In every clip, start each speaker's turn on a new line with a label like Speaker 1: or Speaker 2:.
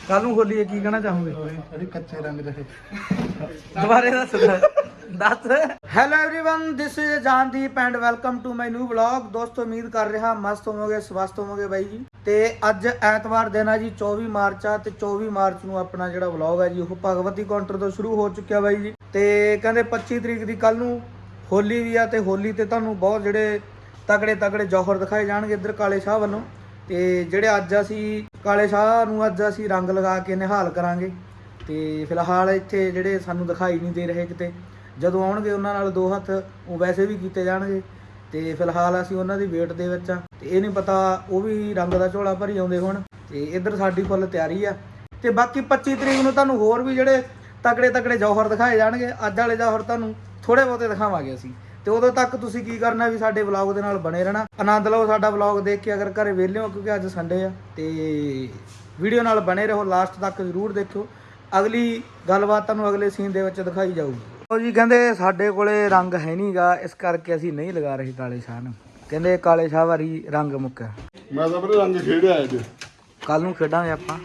Speaker 1: ਕੱਲ ਨੂੰ ਹੋਲੀ ਕੀ ਕਹਿਣਾ ਚਾਹੋਗੇ?
Speaker 2: ਅਰੇ ਕੱਚੇ ਰੰਗ ਰਹੇ
Speaker 1: ਦੁਬਾਰੇ ਦੱਸ। Hello everyone, this is Jandeep and welcome to my new vlog. ਦੋਸਤੋ ਉਮੀਦ ਕਰ ਰਿਹਾ ਮਸਤ ਹੋਵੋਗੇ, ਸਵਸਥ ਹੋਵੋਗੇ ਬਾਈ ਜੀ। ਤੇ ਅੱਜ ਐਤਵਾਰ ਦਿਨ ਆ ਜੀ, 24 ਮਾਰਚ ਆ। ਤੇ 24 ਮਾਰਚ ਨੂੰ ਆਪਣਾ ਜਿਹੜਾ ਵਲੌਗ ਹੈ ਜੀ ਉਹ ਭਗਵਤੀ ਕਾਊਂਟਰ ਤੋਂ ਸ਼ੁਰੂ ਹੋ ਚੁੱਕਿਆ ਬਾਈ ਜੀ। ਤੇ ਕਹਿੰਦੇ 25 ਤਰੀਕ ਦੀ ਕੱਲ ਨੂੰ ਹੋਲੀ ਵੀ ਆ। ਤੇ ਹੋਲੀ ਤੇ ਤੁਹਾਨੂੰ ਬਹੁਤ ਜਿਹੜੇ ਤਗੜੇ ਜੌਹਰ ਦਿਖਾਏ ਜਾਣਗੇ ਇੱਧਰ ਕਾਲੇ ਸ਼ਾਹ ਵੱਲੋਂ। ਤੇ ਜਿਹੜੇ ਅੱਜ ਅਸੀਂ ਕਾਲੇ ਸ਼ਾਹ ਨੂੰ ਅੱਜ ਅਸੀਂ ਰੰਗ ਲਗਾ ਕੇ ਨਿਹਾਲ ਕਰਾਂਗੇ। ਤੇ ਫਿਲਹਾਲ ਇੱਥੇ ਜਿਹੜੇ ਸਾਨੂੰ ਦਿਖਾਈ ਨਹੀਂ ਦੇ ਰਹੇ, ਕਿਤੇ ਜਦੋਂ ਆਉਣਗੇ ਉਹਨਾਂ ਨਾਲ ਦੋ ਹੱਥ ਉਹ ਵੈਸੇ ਵੀ ਕੀਤੇ ਜਾਣਗੇ। ਤੇ ਫਿਲਹਾਲ ਅਸੀਂ ਉਹਨਾਂ ਦੀ ਵੇਟ ਦੇ ਵਿੱਚ ਆ। ਤੇ ਇਹ ਨਹੀਂ ਪਤਾ ਉਹ ਵੀ ਰੰਗ ਦਾ ਝੋਲਾ ਭਰੀ ਆਉਂਦੇ ਹੁਣ। ਤੇ ਇੱਧਰ ਸਾਡੀ ਫੁੱਲ ਤਿਆਰੀ ਆ। ਤੇ ਬਾਕੀ 25 ਤਰੀਕ ਨੂੰ ਤੁਹਾਨੂੰ ਹੋਰ ਵੀ ਜਿਹੜੇ ਤਗੜੇ ਜੌਹਰ ਦਿਖਾਏ ਜਾਣਗੇ। ਅੱਜ ਵਾਲੇ ਜੌਹਰ ਤੁਹਾਨੂੰ ਥੋੜੇ ਬਹੁਤੇ ਦਿਖਾਵਾਂਗੇ ਅਸੀਂ। ਤੇ ਉਦੋਂ ਤੱਕ ਤੁਸੀਂ ਕੀ ਕਰਨਾ ਵੀ ਸਾਡੇ ਵਲੌਗ ਦੇ ਨਾਲ ਬਣੇ ਰਹਿਣਾ, ਆਨੰਦ ਲਓ ਸਾਡਾ ਵਲੌਗ ਦੇਖ ਕੇ। ਅਗਰ ਘਰੇ ਵਿਹਲੇ ਹੋ, ਕਿਉਂਕਿ ਅੱਜ ਸੰਡੇ ਆ, ਤੇ ਵੀਡੀਓ ਨਾਲ ਬਣੇ ਰਹੋ, ਲਾਸਟ ਤੱਕ ਜ਼ਰੂਰ ਦੇਖਿਓ। ਅਗਲੀ ਗੱਲਬਾਤ ਤੁਹਾਨੂੰ ਅਗਲੇ ਸੀਨ ਦੇ ਵਿੱਚ ਦਿਖਾਈ ਜਾਊਗੀ। ਉਹ ਜੀ ਕਹਿੰਦੇ ਸਾਡੇ ਕੋਲੇ ਰੰਗ ਹੈ ਨਹੀਂਗਾ, ਇਸ ਕਰਕੇ ਅਸੀਂ ਨਹੀਂ ਲਗਾ ਰਹੇ ਕਾਲੇ ਸ਼ਾਹ ਨੂੰ। ਕਹਿੰਦੇ ਕਾਲੇ ਸ਼ਾਹ ਵਾਰੀ ਰੰਗ ਮੁੱਕਿਆ।
Speaker 2: ਮੈਂ ਤਾਂ ਬਰੇ ਰੰਗ ਖੇਡਿਆ ਅੱਜ।
Speaker 1: ਕੱਲ ਨੂੰ ਖੇਡਾਂਗੇ ਆਪਾਂ।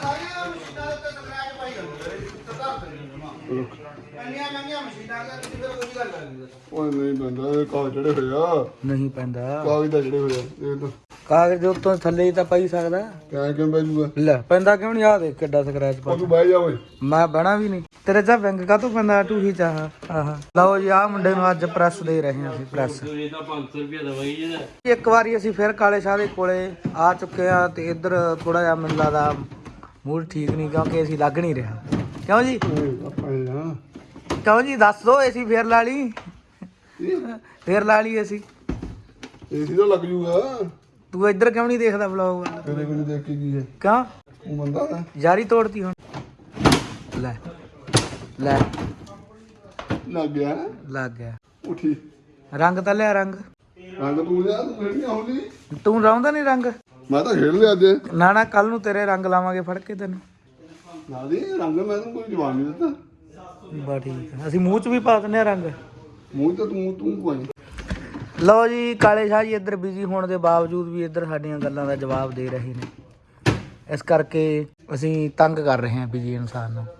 Speaker 2: ਉਹ ਨਹੀਂ ਪੈਂਦਾ, ਇਹ ਕਾਗਜ਼ ਜਿਹੜੇ ਹੋਏ ਆ।
Speaker 1: ਨਹੀਂ ਪੈਂਦਾ
Speaker 2: ਕਾਗਜ਼ ਦਾ ਜਿਹੜੇ ਹੋਏ ਆ ਇਹ ਤਾਂ
Speaker 1: ਕਾਗਜ਼ ਦੇ ਉੱਤੋਂ ਥੱਲੇ ਹੀ ਤਾਂ ਪਈ ਸਕਦਾ।
Speaker 2: ਕਿਉਂ ਬਹਿ ਜੂਗਾ?
Speaker 1: ਲੈ ਪੈਂਦਾ ਕਿਉਂ ਨਹੀਂ? ਆ ਦੇਖ ਕਿੱਡਾ ਸਕ੍ਰੈਚ ਪਾ।
Speaker 2: ਤੂੰ ਬਹਿ ਜਾ ਓਏ।
Speaker 1: ਮੈਂ ਬਹਿਣਾ ਵੀ ਨਹੀਂ। ਤੇਰੇ ਚਾ ਵਿੰਗ ਕਾਹਤੋਂ ਪੈਂਦਾ ਟੂਹੀ ਚਾਹ। ਆਹ ਲਓ ਜੀ, ਆਹ ਮੁੰਡੇ ਨੂੰ ਅੱਜ ਪ੍ਰੈਸ ਦੇ ਰਹੇ ਹਾਂ ਅਸੀਂ। ਪ੍ਰੈਸ
Speaker 3: 500 ਰੁਪਏ ਦਵਾਈ ਜੀ।
Speaker 1: ਇੱਕ ਵਾਰੀ ਅਸੀਂ ਫਿਰ ਕਾਲੇ ਸ਼ਾਹ ਦੇ ਕੋਲੇ ਆ ਚੁੱਕੇ ਆ। ਤੇ ਇੱਧਰ ਥੋੜਾ ਜਿਹਾ ਮੈਨੂੰ ਲੱਗਦਾ ਮੂਡ ਠੀਕ ਨਹੀਂ, ਕਿਉਂਕਿ ਅਸੀਂ ਲੱਗ ਨਹੀਂ ਰਿਹਾ। ਕਿਉਂ ਜੀ? ਕਿਉਂ ਜੀ ਦੱਸ ਦੋ। ਅਸੀਂ ਫੇਰ ਲਾ ਲਈ, ਫੇਰ ਲਾ ਲਈ ਅਸੀਂ।
Speaker 2: ਏਸੀ ਤਾਂ ਲੱਗ ਜੂਗਾ।
Speaker 1: ਤੂੰ ਇੱਧਰ ਕਿਉਂ ਨਹੀਂ ਦੇਖਦਾ ਵਲੌਗ ਵਾਲਾ?
Speaker 2: ਤੇਰੇ ਕੋਲ ਦੇਖ ਕੇ ਕੀ ਹੈ?
Speaker 1: ਕਿਉਂ
Speaker 2: ਉਹ ਬੰਦਾ ਹੈ
Speaker 1: ਯਾਰੀ ਤੋੜਤੀ ਹੁਣ? ਲੈ ਲੈ
Speaker 2: ਲੱਗ ਗਿਆ।
Speaker 1: ਲੱਗ ਗਿਆ।
Speaker 2: ਉਠੀ
Speaker 1: ਰੰਗ ਤਾਂ ਲਿਆ। ਰੰਗ
Speaker 2: ਤੂੰ ਲਿਆ, ਤੂੰ ਖੇਡਣੀ ਹੋਲੀ।
Speaker 1: ਤੂੰ ਲਾਉਂਦਾ ਨਹੀਂ ਰੰਗ?
Speaker 2: ਮੈਂ ਤਾਂ ਖੇਡ ਲਿਆ ਅੱਜ।
Speaker 1: ਨਾ ਕੱਲ ਨੂੰ ਤੇਰੇ ਰੰਗ ਲਾਵਾਂਗੇ ਫੜ ਕੇ ਤੈਨੂੰ।
Speaker 2: ਨਾ ਦੀ ਰੰਗ ਮੈਂ ਤੈਨੂੰ ਕੋਈ ਜਵਾਬ ਨਹੀਂ ਦਿੱਤਾ।
Speaker 1: ਬਾ ਠੀਕ ਆ, ਅਸੀਂ ਮੂੰਹ 'ਚ ਵੀ ਪਾ ਦਿੰਦੇ ਆ ਰੰਗ।
Speaker 2: ਮੂੰਹ ਤੇ ਤੂੰ ਕੋਈ।
Speaker 1: ਲਓ ਜੀ, ਕਾਲੇ ਸ਼ਾਹ ਜੀ ਇੱਧਰ ਬਿਜ਼ੀ ਹੋਣ ਦੇ ਬਾਵਜੂਦ ਵੀ ਇੱਧਰ ਸਾਡੀਆਂ ਗੱਲਾਂ ਦਾ ਜਵਾਬ ਦੇ ਰਹੇ ਨੇ। ਇਸ ਕਰਕੇ ਅਸੀਂ ਤੰਗ ਕਰ ਰਹੇ ਹਾਂ ਬਿਜ਼ੀ ਇਨਸਾਨ ਨੂੰ।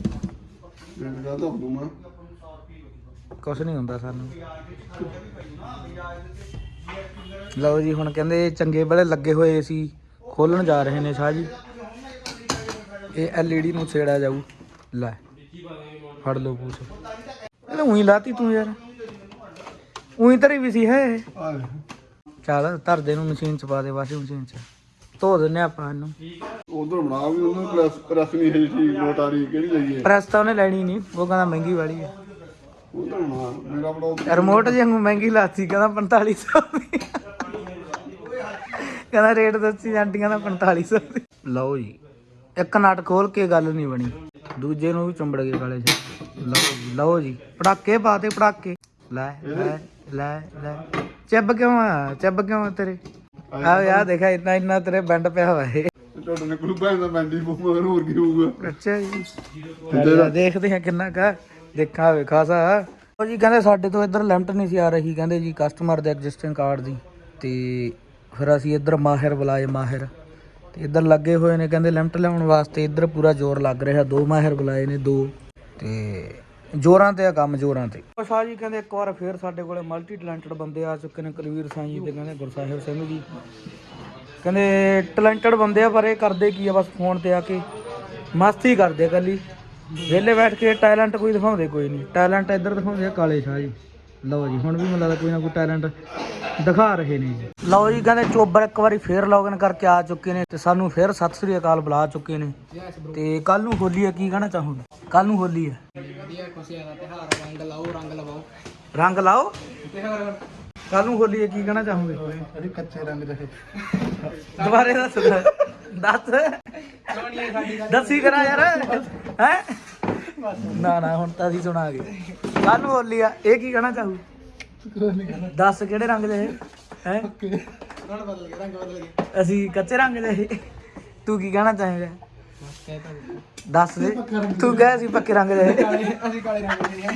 Speaker 1: ਕੁਛ ਨਹੀਂ ਹੁੰਦਾ ਸਾਨੂੰ। ਲਓ ਜੀ, ਹੁਣ ਕਹਿੰਦੇ ਚੰਗੇ ਵੇਲੇ ਲੱਗੇ ਹੋਏ ਸੀ, ਖੋਲਣ ਜਾ ਰਹੇ ਨੇ ਸ਼ਾਹ ਜੀ। ਇਹ LED ਨੂੰ ਛੇੜਿਆ ਜਾਊ। ਲੈ ਫੜ ਲਓ ਪੂਛ। ਇਹਨੇ ਉਹੀ ਲਾਤੀ ਤੂੰ ਯਾਰ। ਉਹੀ ਧਰੀ ਵੀ ਸੀ ਹੈ। ਚੱਲ ਧਰ ਦੇ ਨੂੰ ਮਸ਼ੀਨ 'ਚ ਪਾ ਦੇ, ਵਾਸ਼ਿੰਗ ਮਸ਼ੀਨ 'ਚ ਧੋ ਦਿੰਦੇ ਆਪਾਂ ਇਹਨੂੰ।
Speaker 2: ਉਧਰ ਬਣਾ ਵੀ ਉਹਨੂੰ ਪ੍ਰੈਸ ਨਹੀਂ ਹੈ ਠੀਕ ਨੋਟ ਆ ਰਹੀ ਕਿਹੜੀ ਲਈਏ?
Speaker 1: ਪ੍ਰੈਸ ਤਾਂ ਉਹਨੇ ਲੈਣੀ ਨਹੀਂ, ਉਹ ਕਹਿੰਦਾ ਮਹਿੰਗੀ ਵਾਲੀ ਹੈ।
Speaker 2: ਉਧਰ ਬਣਾ ਮੇਰਾ ਬੜਾ
Speaker 1: ਰਿਮੋਟ ਜੇ ਮਹਿੰਗੀ ਲਾਤੀ, ਕਹਿੰਦਾ 4500 ਦੀ। ਕਹਿੰਦਾ ਰੇਟ ਦੱਸੀ ਆਂਟੀਆਂ ਦਾ 4500 ਦੀ। ਲਓ ਜੀ, ਇੱਕ ਨਟ ਖੋਲ ਕੇ ਗੱਲ ਨਹੀਂ ਬਣੀ, ਦੂਜੇ ਨੂੰ ਵੀ ਚੁੰਬੜ ਗਏ ਕਾਲੇ ਜੀ। ਲਓ ਜੀ, ਪੜਾਕੇ ਪਾਤੇ ਪੜਾਕੇ। ਲੈ ਲੈ ਲੈ ਲੈ ਚੱਬ ਕਿਉਂ ਆ? ਚੱਬ ਕਿਉਂ ਆ ਤੇਰੇ? ਆ ਯਾਰ ਦੇਖਾ ਇੰਨਾ ਤੇਰੇ ਬੈਂਡ ਪਿਆ ਹੋਇਆ ਹੈ।
Speaker 2: ਤੁਹਾਡੇ ਨੇ ਕੋਈ ਭੈਣ ਦਾ ਮੈਂਡੀ ਮਗਰ ਹੋਰ ਕੀ ਹੋਊਗਾ?
Speaker 1: ਅੱਛਾ ਜੀ, ਦੇਖਦੇ ਆ ਕਿੰਨਾ ਕਾ ਦੇਖਾ ਵੇ ਖਾਸਾ। ਉਹ ਜੀ ਕਹਿੰਦੇ ਸਾਡੇ ਤੋਂ ਇੱਧਰ ਲਿਮਟ ਨਹੀਂ ਸੀ ਆ ਰਹੀ, ਕਹਿੰਦੇ ਜੀ ਕਸਟਮਰ ਦੇ ਐਗਜ਼ਿਸਟਿੰਗ ਕਾਰਡ ਦੀ। ਤੇ ਫਿਰ ਅਸੀਂ ਇੱਧਰ ਮਾਹਿਰ ਬੁਲਾਏ, ਮਾਹਿਰ। ਤੇ ਇੱਧਰ ਲੱਗੇ ਹੋਏ ਨੇ ਕਹਿੰਦੇ ਲਿਮਟ ਲਿਆਉਣ ਵਾਸਤੇ। ਇੱਧਰ ਪੂਰਾ ਜ਼ੋਰ ਲੱਗ ਰਿਹਾ, 2 ਮਾਹਿਰ ਬੁਲਾਏ ਨੇ 2। ਤੇ ਜ਼ੋਰਾਂ ਤੇ ਆ ਕੰਮ, ਜ਼ੋਰਾਂ ਤੇ। ਸ਼ਾਹ ਜੀ ਕਹਿੰਦੇ ਇੱਕ ਵਾਰ ਫੇਰ ਸਾਡੇ ਕੋਲੇ ਮਲਟੀ ਟੈਲੈਂਟਡ ਬੰਦੇ ਆ ਚੁੱਕੇ ਨੇ, ਕੁਲਵੀਰ ਸਾਈਂ ਤੇ ਕਹਿੰਦੇ ਗੁਰਸਾਹਿਬ ਸਿੰਘ ਜੀ। ਕਹਿੰਦੇ ਟੈਲੈਂਟਡ ਬੰਦੇ ਆ, ਪਰ ਇਹ ਕਰਦੇ ਕੀ ਆ, ਬਸ ਫੋਨ ਤੇ ਆ ਕੇ ਮਸਤੀ ਕਰਦੇ ਆ ਇਕੱਲੀ। ਵਿਹਲੇ ਬੈਠ ਕੇ ਟੈਲੈਂਟ ਕੋਈ ਦਿਖਾਉਂਦੇ ਕੋਈ ਨਹੀਂ। ਟੈਲੈਂਟ ਇੱਧਰ ਦਿਖਾਉਂਦੇ ਆ ਕਾਲੇ ਸ਼ਾਹ ਜੀ। ਲਓ ਜੀ, ਹੁਣ ਵੀ ਮੈਨੂੰ ਲੱਗਦਾ ਕੋਈ ਨਾ ਕੋਈ ਟੈਲੈਂਟ ਦਿਖਾ ਰਹੇ ਨੇ ਜੀ। ਲਓ ਜੀ, ਕਹਿੰਦੇ ਚੋਬਰ ਇੱਕ ਵਾਰੀ ਫੇਰ ਲੌਗਇਨ ਕਰਕੇ ਆ ਚੁੱਕੇ ਨੇ, ਤੇ ਸਾਨੂੰ ਫੇਰ ਸਤਿ ਸ੍ਰੀ ਅਕਾਲ ਬੁਲਾ ਚੁੱਕੇ ਨੇ। ਤੇ ਕੱਲ ਨੂੰ ਹੋਲੀ ਹੈ, ਕੀ ਕਹਿਣਾ ਚਾਹੋਗੇ? ਕੱਲ ਨੂੰ ਹੋਲੀ ਹੈ, ਰੰਗ ਲਾਓ। ਕੱਲ ਨੂੰ ਹੋਲੀ ਹੈ, ਕੀ ਕਹਿਣਾ ਚਾਹੋਗੇ?
Speaker 2: ਅਰੇ ਕੱਚੇ ਰੰਗ ਰਹੇ
Speaker 1: ਦੁਬਾਰੇ ਦੱਸ। ਦੱਸੀ ਕਰਾ ਯਾਰ। ਹੈ ਨਾ ਹੁਣ ਤਾਂ ਅਸੀਂ ਸੁਣਾ ਗਏ। ਕੱਲ ਨੂੰ ਹੋਲੀ ਆ, ਇਹ ਕੀ ਕਹਿਣਾ ਚਾਹੂ? ਦੱਸ ਕਿਹੜੇ ਰੰਗ ਦੇ ਹੈ? ਅਸੀਂ ਕੱਚੇ ਰੰਗ ਦੇ। ਤੂੰ ਕੀ ਕਹਿਣਾ ਚਾਹੇਗਾ? ਦੱਸ ਦੇ। ਤੂੰ ਕਹਿ ਅਸੀਂ ਪੱਕੇ ਰੰਗ ਦੇ। ਅਸੀਂ ਕਾਲੇ ਰੰਗ ਦੇ।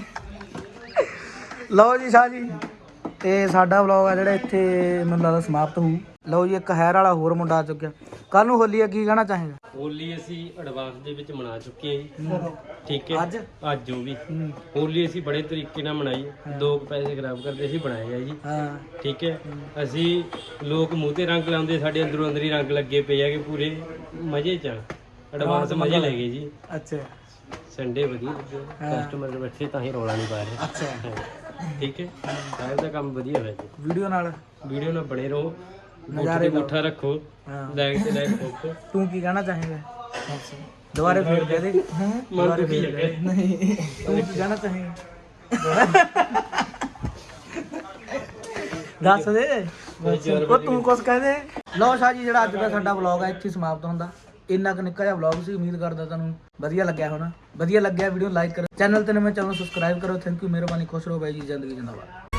Speaker 1: ਲਓ ਜੀ ਸ਼ਾਹ ਜੀ, ਤੇ ਸਾਡਾ ਵਲੌਗ ਆ ਜਿਹੜਾ ਇੱਥੇ ਮੈਨੂੰ ਲੱਗਦਾ ਸਮਾਪਤ ਹੋਊ। ਲਓ ਜੀ, ਇੱਕ ਹੈਰ ਵਾਲਾ ਹੋਰ ਮੁੰਡਾ ਆ ਚੁੱਕਿਆ। ਕੱਲ ਨੂੰ ਹੋਲੀ ਆ, ਕੀ ਕਹਿਣਾ ਚਾਹੇਗਾ?
Speaker 3: ਹੋਲੀ ਅਸੀਂ ਐਡਵਾਂਸ ਦੇ ਵਿੱਚ ਮਨਾ ਚੁੱਕੇ ਹਾਂ ਜੀ। ਠੀਕ ਹੈ,
Speaker 1: ਅੱਜ
Speaker 3: ਅੱਜ ਉਹ ਵੀ ਹੋਲੀ ਅਸੀਂ ਬੜੇ ਤਰੀਕੇ ਨਾਲ ਮਨਾਈ। 2 ਪੈਸੇ ਖਰਾਬ ਕਰਦੇ ਅਸੀਂ ਬਣਾਏ ਆ ਜੀ।
Speaker 1: ਹਾਂ
Speaker 3: ਠੀਕ ਹੈ, ਅਸੀਂ ਲੋਕ ਮੂੰਹ ਤੇ ਰੰਗ ਲਾਉਂਦੇ, ਸਾਡੇ ਅੰਦਰੋਂ ਅੰਦਰ ਹੀ ਰੰਗ ਲੱਗੇ ਪਏ ਹੈਗੇ ਪੂਰੇ ਮਜ਼ੇ ਚ। ਐਡਵਾਂਸ ਮਜ਼ੇ ਲੈ ਗਏ ਜੀ।
Speaker 1: ਅੱਛਾ
Speaker 3: ਸੰਡੇ ਵਧੀਆ ਲੱਗੇ, ਕਸਟਮਰ ਬੈਠੇ ਤਾਂ ਹੀ ਰੌਲਾ ਨਹੀਂ ਪਾ ਰਹੇ।
Speaker 1: ਅੱਛਾ
Speaker 3: ਠੀਕ ਹੈ, ਸਾਰੇ ਦਾ ਕੰਮ ਵਧੀਆ ਹੋਇਆ ਜੀ।
Speaker 1: ਵੀਡੀਓ ਨਾਲ
Speaker 3: ਵੀਡੀਓ ਨਾਲ ਬਣੇ ਰਹੋ,
Speaker 1: ਨਜ਼ਾਰੇ ਲਓ।
Speaker 3: ਮੁੱਠਾ ਰੱਖੋ,
Speaker 1: ਹਾਂ
Speaker 3: ਲਾਈਕ ਤੇ ਲਾਈਕ ਠੋਕੋ।
Speaker 1: ਤੂੰ ਕੀ ਕਹਿਣਾ ਚਾਹੇਗਾ? ਦੁਬਾਰੇ ਫੇਰ ਕਹਿ ਦੇ।
Speaker 3: ਮਨ ਦੁਖੀ ਹੈ।
Speaker 1: ਨਹੀਂ, ਤੂੰ ਕੀ ਕਹਿਣਾ ਚਾਹੇਗਾ? ਦੱਸ ਦੇ। ਉਹ ਤੂੰ ਕੁਛ ਕਹਿ ਦੇ। ਲਓ ਸ਼ਾਹ ਜੀ, ਜਿਹੜਾ ਅੱਜ ਦਾ ਸਾਡਾ ਵਲੌਗ ਹੈ ਇੱਥੇ ਸਮਾਪਤ ਹੁੰਦਾ। ਇੰਨਾ ਕੁ ਨਿੱਕਾ ਜਿਹਾ ਵਲੌਗ ਸੀ। ਉਮੀਦ ਕਰਦਾ ਤੁਹਾਨੂੰ ਵਧੀਆ ਲੱਗਿਆ ਹੋਣਾ। ਵਧੀਆ ਲੱਗਿਆ ਵੀਡੀਓ ਲਾਈਕ ਕਰੋ, ਚੈਨਲ ਤੇ ਨਵੇਂ ਚੈਨਲ ਸਬਸਕ੍ਰਾਈਬ ਕਰੋ। ਥੈਂਕ ਯੂ, ਮਿਹਰਬਾਨੀ, ਖੁਸ਼ ਰਹੋ ਬਾਈ ਜੀ, ਜ਼ਿੰਦਗੀ ਜਿੰਦਾਬਾਦ।